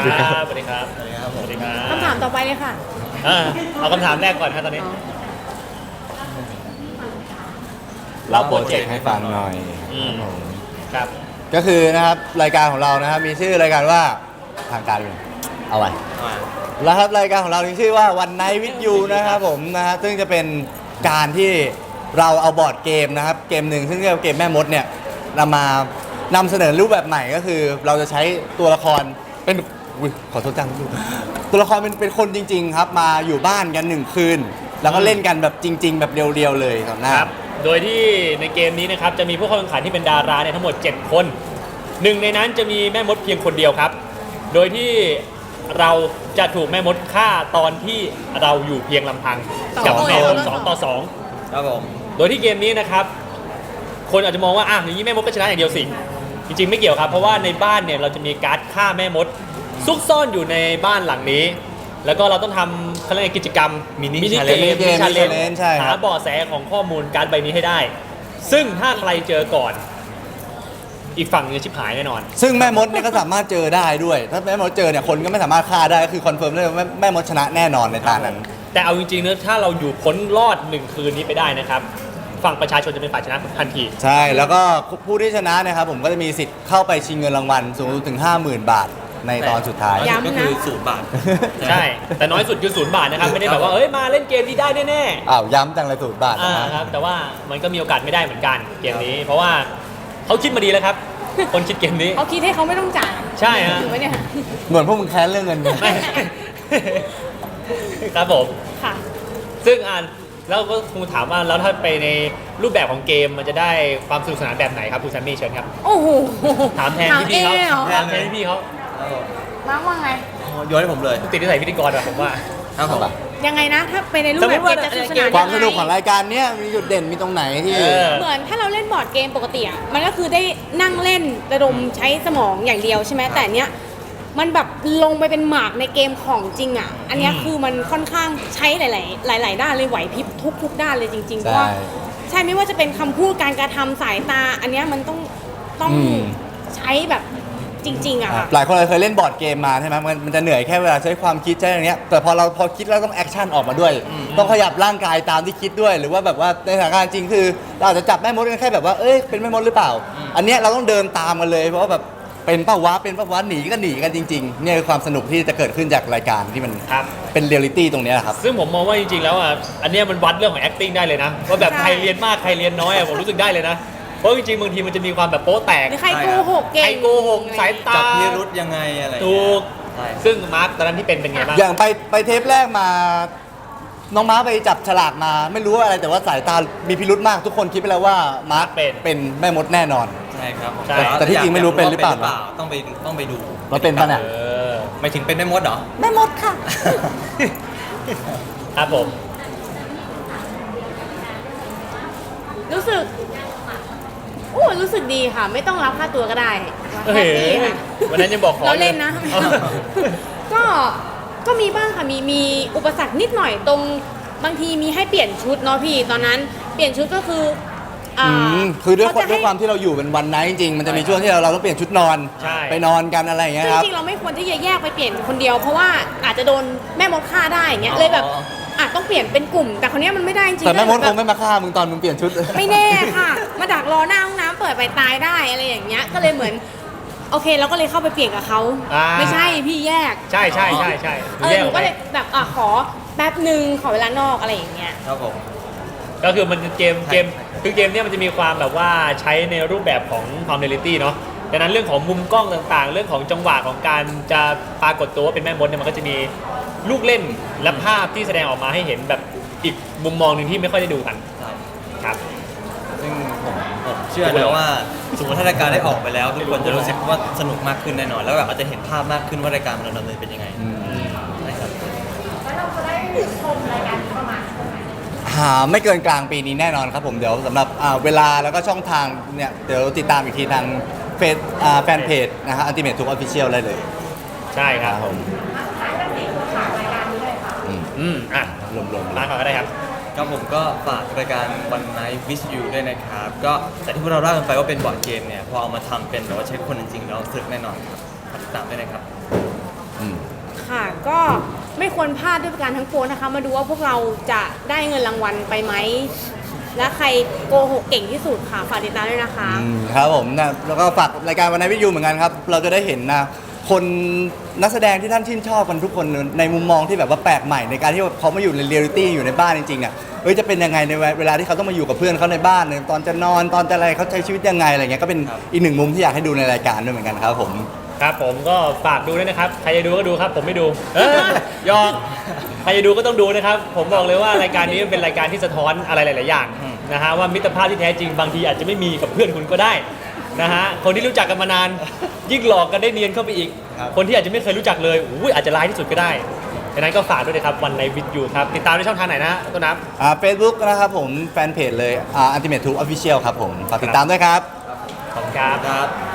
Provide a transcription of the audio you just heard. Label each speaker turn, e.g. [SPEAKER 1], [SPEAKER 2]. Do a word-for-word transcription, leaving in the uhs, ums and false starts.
[SPEAKER 1] วัสดีครับ
[SPEAKER 2] สวัสดีครับสวัสดีครับสวัสดีครับ
[SPEAKER 3] คำถามต่อไปเลยค่ะ
[SPEAKER 2] อ่าเอาคำถามแรกก่อนครับตอนนี้
[SPEAKER 1] เราโปรเจกต์ให้ฟังหน่อย
[SPEAKER 2] อืมครับ
[SPEAKER 1] ก็คือนะครับรายการของเรานะครับมีชื่อรายการว่าทางการเลยเอาไว้แล้วครับรายการของเรามีชื่อว่าวันไนท์วิดยูนะครับผมนะฮะซึ่งจะเป็นการที่เราเอาบอร์ดเกมนะครับเกมหนึ่งซึ่งเรียกว่าเกมแม่มดเนี่ยนำมานำเสนอรูปแบบใหม่ก็คือ เราจะใช้ตัวละครเป็นอุ๊ยขอโทษจังตัวละครเป็นเป็นคนจริง ๆ ครับมาอยู่บ้านกันหนึ่งคืน แล้วก็เล่นกันแบบจริง ๆ แบบเรียวๆเลยครับนะครับ
[SPEAKER 2] โดยที่ในเกมนี้นะครับจะมีผู้เข้าแข่งขันที่เป็นดาราเนี่ยทั้งหมดเจ็ดคนหนึ่งในนั้นจะมีแม่มดเพียงคนเดียวครับ โดยที่เราจะถูกแม่มดฆ่าตอนที่เราอยู่เพียงลำพัง
[SPEAKER 3] ต่อ
[SPEAKER 2] กับ
[SPEAKER 3] คน
[SPEAKER 2] แม่มด
[SPEAKER 3] ต่อ
[SPEAKER 2] สองต่อสอง
[SPEAKER 4] ครับผม
[SPEAKER 2] โดยที่เกมนี้นะครับคนอาจจะมองว่าอ่ะอย่างนี้แม่มดก็ชนะอย่างเดียวสิจริงๆไม่เกี่ยวครับเพราะว่าในบ้านเนี่ยเราจะมีการ์ดฆ่าแม่มดซุกซ่อนอยู่ในบ้านหลังนี้ แล้วก็เราต้องทำเขาเรียกว่ากิจกรรม
[SPEAKER 4] Mini
[SPEAKER 2] มินิ
[SPEAKER 4] challenge
[SPEAKER 2] เกม
[SPEAKER 1] Mini challenge ใช่ครับ
[SPEAKER 2] หาเบาะแสของข้อมูลการ์ดใบนี้ให้ได้ ซึ่งถ้าใครเจอก่อน อีกฝั่งหนึงจะชิบหายแน่นอน
[SPEAKER 1] ซึ่งแม่มดเนี่ยก็สามารถเจอได้ด้วย ถ้าแม่มดเจอเนี่ยคนก็ไม่สามารถฆ่าได้ก็คือคอนเฟิร์มได้ว่าแม่แม่มดชนะแน่นอนในตานั้น
[SPEAKER 2] แต่เอาจริงๆนะถ้าเราอยู่พ้นรอดหนึ่งคืนนี้ไปได้นะครับฝั่งประชาชนจะเป็นฝ่ายชนะทันที
[SPEAKER 1] ใช่แล้วก็ผู้ที่ชนะเนะครับผมก็จะมีสิทธิ์เข้าไปชิงเงินรางวัลสูงสุดถึง ห้าหมื่น บาทในตอนสุดท้าย
[SPEAKER 3] ย้ำนะ
[SPEAKER 4] ก็คือศูนย์บาท
[SPEAKER 2] ใช่ แต่น้อยสุดคือศูนย์บาทนะครับ ไม่ได้แบบว่าเอ้ยมาเล่นเกมนี้ได้แน่
[SPEAKER 1] อ้าวย้ำจังเลยสูตรบาท
[SPEAKER 2] ๆอ่า
[SPEAKER 1] นะ
[SPEAKER 2] ครับแต่ว่ามันก็มีโอกาสไม่ได้เหมือนกันเกมนี้ เพราะว่าเขาคิดมาดีแล้วครับ คนคิดเกมนี้
[SPEAKER 3] เขาคิดให้เขาไม่ต้องจ่าย
[SPEAKER 2] ใช่ฮะ
[SPEAKER 3] ถูกไหมเนี่ย
[SPEAKER 1] เหมือนพวกมึงแค้นเรื่องเงินไง
[SPEAKER 2] ไม่ ครับผม
[SPEAKER 3] ค่ะ
[SPEAKER 2] ซึ่งอ่านแล้วก็คงถามว่าแล้วถ้าไปในรูปแบบของเกมมันจะได้ความสนุกสนานแบบไหนครับคุณแซมมี่เชิญครับ
[SPEAKER 3] โอ้โห
[SPEAKER 2] ถามแทนพี่ๆเขา
[SPEAKER 3] ถามเองเหรอ
[SPEAKER 2] ถามแทนพี่ๆเขา
[SPEAKER 3] มาร์คว่าไง
[SPEAKER 4] โยนให้ผมเลย
[SPEAKER 2] ติดนิสัยพิธีกรอะผมว่า
[SPEAKER 4] ครับผม
[SPEAKER 3] ยังไงนะ ถ้าไปในรูป
[SPEAKER 2] สม
[SPEAKER 3] แบ
[SPEAKER 2] มุ
[SPEAKER 3] บ
[SPEAKER 2] ติว่า
[SPEAKER 3] เกมจะสนุกสนาน
[SPEAKER 1] ความสนุก
[SPEAKER 3] ยังไง
[SPEAKER 1] ของรายการเนี้ยมีจุดเด่นมีตรงไหนที่
[SPEAKER 2] เออ
[SPEAKER 3] เหมือนถ้าเราเล่นบอร์ดเกมปกติอ่ะมันก็คือได้นั่งเล่นระดมใช้สมองอย่างเดียวใช่ไหมแต่เนี้ยมันแบบลงไปเป็นหมากในเกมของจริงอ่ะ อันเนี้ยคือมันค่อนข้างใช้หลาย ๆ หลาย ๆ ด้านเลยไหวพริบทุกทุกด้านเลยจริงๆเพราะว่า
[SPEAKER 1] ใช่
[SPEAKER 3] ใช่ไม่ว่าจะเป็นคำพูดการกระทำสายตา อันเนี้ยมันต้องต้อง
[SPEAKER 1] อืม
[SPEAKER 3] ใช้แบบจริง ๆอะค่ะ
[SPEAKER 1] หลายคนเคยเล่นบอร์ดเกมมาใช่ไหมมันมันจะเหนื่อยแค่เวลาใช้ความคิดใช้อย่างเงี้ยแต่พอเราพอคิดแล้วต้องแอคชั่นออกมาด้วย ต้องขยับร่างกายตามที่คิดด้วย หรือว่าแบบว่าในสถานการณ์จริงคือเราอาจจะจับแม่มดกันแค่แบบว่าเอ้ยเป็นแม่มดหรือเปล่า อันเนี้ยเราต้องเดินตามกันเลยเพราะว่าแบบเป็นป้าวะเป็นป้าวะหนีก็หนีกันจริงๆเนี่ยคือความสนุกที่จะเกิดขึ้นจากรายการที่มัน
[SPEAKER 2] ครับ
[SPEAKER 1] เป็นเรียลลิตี้ตรงเนี้ยครับ
[SPEAKER 2] ซึ่งผมมองว่าจริงๆ แล้วอ่ะ อันเนี้ยมันวัดเรื่องของ acting ได้เลยนะ ว่าแบบ
[SPEAKER 3] ใช่
[SPEAKER 2] ใครเรียนมากใครเรียนน้อยอ่ะผมรู้สึกได้เลยนะ เพราะจริงๆ บางทีมันจะมีความแบบโป๊ะแตก
[SPEAKER 3] หรือใครโกหกเก่ง
[SPEAKER 2] ใครโกหกสายตา
[SPEAKER 4] จับพิรุธยังไงอะไร
[SPEAKER 2] ถูก
[SPEAKER 4] ใช่
[SPEAKER 2] ซึ่งมาร์คตอนนั้นที่เป็นเป็นไงบ้าง
[SPEAKER 1] อย่างไปไปเทปแรกมา น้องม้าไปจับฉลากมา ไม่รู้ว่าอะไรแต่ว่าสายตามีพิรุธมากทุกคนคิดไปแล้วว่ามาร์ค
[SPEAKER 2] เป็น
[SPEAKER 1] เป็นแม่มดแน่นอน
[SPEAKER 4] ใช่ครับผม
[SPEAKER 2] ใช่
[SPEAKER 1] แต่ที่จริงไม่รู้เป็นหรือเปล่า
[SPEAKER 4] ต้องไปต้องไปดู
[SPEAKER 1] ว่าเป็นปะเนี่ย
[SPEAKER 2] เออ
[SPEAKER 4] ไม่ถึงเป็นแม่มดเหรอ
[SPEAKER 3] แม่มดค่ะ
[SPEAKER 2] ครับผม
[SPEAKER 3] รู้สึกโอ้รู้สึกดีค่ะ ไม่ต้องรับค่าตัวก็ได้
[SPEAKER 2] เฮ้
[SPEAKER 3] แฮ
[SPEAKER 2] ย
[SPEAKER 3] ปปี้ค่ะ
[SPEAKER 2] วันนั้นยังบอกขอ
[SPEAKER 3] เราเล่นนะ
[SPEAKER 2] เอา
[SPEAKER 3] ก็ก็มีบ้างค่ะมีมีอุปสรรคนิดหน่อยตรงบางทีมีให้เปลี่ยนชุดเนาะพี่ตอนนั้นเปลี่ยนชุดก็คืออ่า
[SPEAKER 1] อืมคือด้วย
[SPEAKER 3] เขจะ
[SPEAKER 1] ด้วย
[SPEAKER 3] ให้
[SPEAKER 1] ความที่เราอยู่เป็นวันไนท์จริงๆมันจะมีช่วงที่เราเราต้องเปลี่ยนชุดนอน
[SPEAKER 2] ใช่
[SPEAKER 1] ไปนอนกันอะไรอย่างเงี้ย
[SPEAKER 3] ซึ่ง
[SPEAKER 1] ครับ
[SPEAKER 3] จริงๆเราไม่ควรที่จะแยกไปเปลี่ยนคนเดียว เพราะว่าอาจจะโดนแม่มดฆ่าได้อย่างเงี้ย
[SPEAKER 4] อ๋อ
[SPEAKER 3] เลยแบบอาจต้องเปลี่ยนเป็นกลุ่ม แต่คนนี้ยมันไม่ได้จริงๆ
[SPEAKER 1] แต่แม่มด
[SPEAKER 3] ก็
[SPEAKER 1] ค
[SPEAKER 3] เลย
[SPEAKER 1] ง
[SPEAKER 3] แบบ
[SPEAKER 1] ไม่มาฆ่ามึงตอนมึงเปลี่ยนชุด
[SPEAKER 3] ไม่แน่ค่ะ มาดักรอหน้าห้องน้ำเปิดไปตายได้อะไรอย่างเงี้ยก็เลยเหมือนโอเคเราก็เลยเข้าไปเปลี่ยนกับเขา
[SPEAKER 2] อ่า
[SPEAKER 3] ไม่ใช่พี่แยก
[SPEAKER 2] ใช่ใช่ใช่ใช่
[SPEAKER 3] เออ
[SPEAKER 2] แยก
[SPEAKER 3] ห
[SPEAKER 2] อ
[SPEAKER 3] นู
[SPEAKER 2] อกไป
[SPEAKER 3] ก็เลยแบบอ่ะขอแป๊บหนึ่งขอเวลานอกอะไรอย่างเงี้ย
[SPEAKER 4] ครับผม
[SPEAKER 2] ก็คือมันเกมเกมคือเกมเนี้ยมันจะมีความแบบว่าใช้ในรูปแบบของความเรียลลิตี้เนาะดังนั้นเรื่องของมุมกล้องต่างๆ เรื่องของจังหวะของการจะปรากฏตัวว่าเป็นแม่มดเนี่ยมันก็จะมีลูกเล่นและภาพที่แสดงออกมาให้เห็นแบบอีกมุมมองหนึ่งที่ไม่ค่อยได้ดูกัน
[SPEAKER 4] ใช่
[SPEAKER 2] ครับ
[SPEAKER 4] ซึ่งผมผมเชื่อนะว่าสมมติถ้ารายการได้ออกไปแล้ว ทุกคนจะรู้สึกว่าสนุกมากขึ้นแน่นอน แล้วแบบอาจจะเห็นภาพมากขึ้นว่ารายการมันดำเนินเป็นยังไงนะครับ
[SPEAKER 1] หาไม่เกินกลางปีนี้แน่นอนครับผมเดี๋ยวสำหรับอ่าเวลาแล้วก็ช่องทางเนี่ยเดี๋ยวติดตามอีกทีทางเฟซอ่าแฟนเพจนะฮะอันติเมททุกออฟฟิเชียลได้เลย
[SPEAKER 2] ใช่ครับ
[SPEAKER 1] ผมอืม
[SPEAKER 2] อืมอ่ะ
[SPEAKER 1] รวมๆ
[SPEAKER 2] มาก่อนก็ได้ครับ
[SPEAKER 4] ครับผมก็ฝากรายการ One Night with You ด้วยนะครับ ก็แต่ที่พวกเราเล่ากันไปว่าเป็นบอร์ดเกมเนี่ย พอเอามาทำเป็นแบบว่าใช้คนจริงๆเราสนุกแน่นอนครับฝากติดตามด้วยนะครับ
[SPEAKER 1] อืม
[SPEAKER 3] ค่ะก็ไม่ควรพลาดด้วยประการทั้งปวงนะคะ มาดูว่าพวกเราจะได้เงินรางวัลไปไหม และใครโกหกเก่งที่สุดค่ะฝากติดตามด้วยนะคะ
[SPEAKER 1] อืมครับผมนะแล้วก็ฝากรายการวันนายวิทยูเหมือนกันครับ เราจะได้เห็นนะคนนักแสดงที่ท่านชื่นชอบกันทุกคนในมุมมองที่แบบว่าแปลกใหม่ในการที่เขามาอยู่ในเรียลลิตี้อยู่ในบ้านจริงๆเนี่ยเอ้ยจะเป็นยังไงในเวลาที่เขาต้องมาอยู่กับเพื่อนเขาในบ้านเนี่ยตอนจะนอนตอนจะอะไรเขาใช้ชีวิตยังไงอะไรเงี้ยก็เป็นอีกหนึ่งมุมที่อยากให้ดูในรายการด้วยเหมือนกันครับผม
[SPEAKER 2] ครับผมก็ฝากดูด้วยนะครับ ใครจะดูก็ดูครับ ผมไม่ดูเอ้ยหยอกใครจะดูก็ต้องดูนะครับ ผมบอกเลยว่ารายการนี้เป็นรายการที่สะท้อนอะไรหลาย ๆ อย่างนะฮะว่ามิตรภาพที่แท้จริงบางทีอาจจะไม่มีกับเพื่อนคุณก็ได้นะฮะคนที่รู้จักกันมานานยิ่งหลอกกันได้เนียนเข้าไปอีก
[SPEAKER 1] ครับ
[SPEAKER 2] คนที่อาจจะไม่เคยรู้จักเลยอุ้ยอาจจะร้ายที่สุดก็ได้ดังนั้นก็ฝากด้วยนะครับวันในวิดยูครับติดตามในช่องทางไหนนะต้นน้ำ
[SPEAKER 1] อ่าเฟซบุ๊กนะครับผมแฟนเพจเลยอ่าอัลติเมททูออฟฟิเชียลครับผมฝากติดตามด้วยครับ
[SPEAKER 2] ขอบคุณครับ
[SPEAKER 4] ครับ